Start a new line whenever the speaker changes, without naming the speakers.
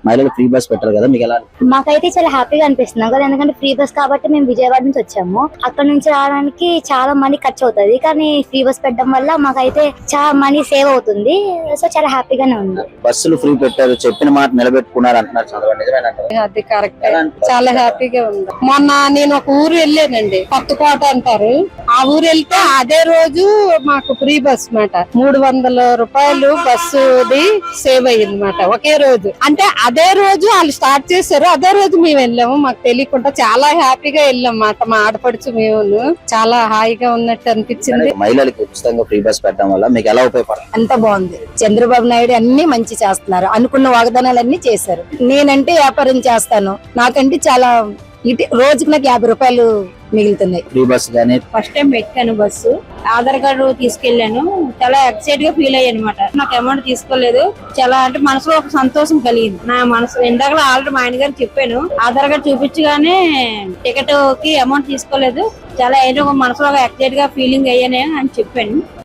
మహిళలు free bus పెట్టారు కదా, మీకు ఎలా?
మాకైతే చాలా హ్యాపీగా అనిపిస్తుంది కదా, ఎందుకంటే ఫ్రీ బస్ కాబట్టి మేము విజయవాడ నుంచి వచ్చాము. అక్కడ నుంచి రావడానికి చాలా మనీ ఖర్చు అవుతుంది, కానీ ఫ్రీ బస్ పెట్టడం వల్ల మాకైతే చాలా మనీ సేవ్ అవుతుంది. సో చాలా హ్యాపీగానే ఉంది.
బస్సులు ఫ్రీ పెట్టారు, చెప్పిన మాట నిలబెట్టుకున్నారు అంటున్నారు, చదవండి నిజమేనంటారు?
అది కరెక్ట్. చాలా హ్యాపీగా ఉంది. మొన్న నేను ఒక ఊరు వెళ్ళానండి, కొత్తకోట అంటారు. ఆ ఊరు వెళ్తే అదే రోజు మాకు ఫ్రీ బస్ మాట 300 రూపాయలు బస్సుది సేవ్ అయ్యింది మాట ఒకే రోజు. అంటే అదే రోజు వాళ్ళు స్టార్ట్ చేశారు, అదే రోజు మేము వెళ్ళాము. మాకు తెలియకుండా చాలా హ్యాపీగా వెళ్ళాం మాట. మా ఆడపడుచు మేము చాలా హాయిగా ఉన్నట్టు అనిపించింది.
మహిళలకు ఉచితంగా ఫ్రీ బస్ పెట్టడం వల్ల మీకు ఎలా ఉపయోగపడుతుంది?
అంత బాగుంది. చంద్రబాబు నాయుడు అన్ని మంచి చేస్తున్నారు, అనుకున్న వాగ్దానాలన్నీ చేశారు. నేనంటే వ్యాపారం చేస్తాను, నాకంటే చాలా రోజుకి నాకు 50 రూపాయలు మిగులుతున్నాయి.
ఫ్రీ బస్ గానీ
ఫస్ట్ టైం పెట్టాను బస్సు, ఆధార్ కార్డు తీసుకెళ్లాను. చాలా ఎక్సైట్ గా ఫీల్ అయ్యాను అనమాట. నాకు అమౌంట్ తీసుకోలేదు, చాలా అంటే మనసులో ఒక సంతోషం కలిగింది. నా మనసు ఇందాక ఆల్రెడీ మా ఆయన గారు చెప్పాను, ఆధార్ కార్డు చూపించగానే టికెట్ కి అమౌంట్ తీసుకోలేదు. చాలా ఏదో మనసులో ఎక్సైట్ గా ఫీలింగ్ అయ్యాను అని చెప్పాను.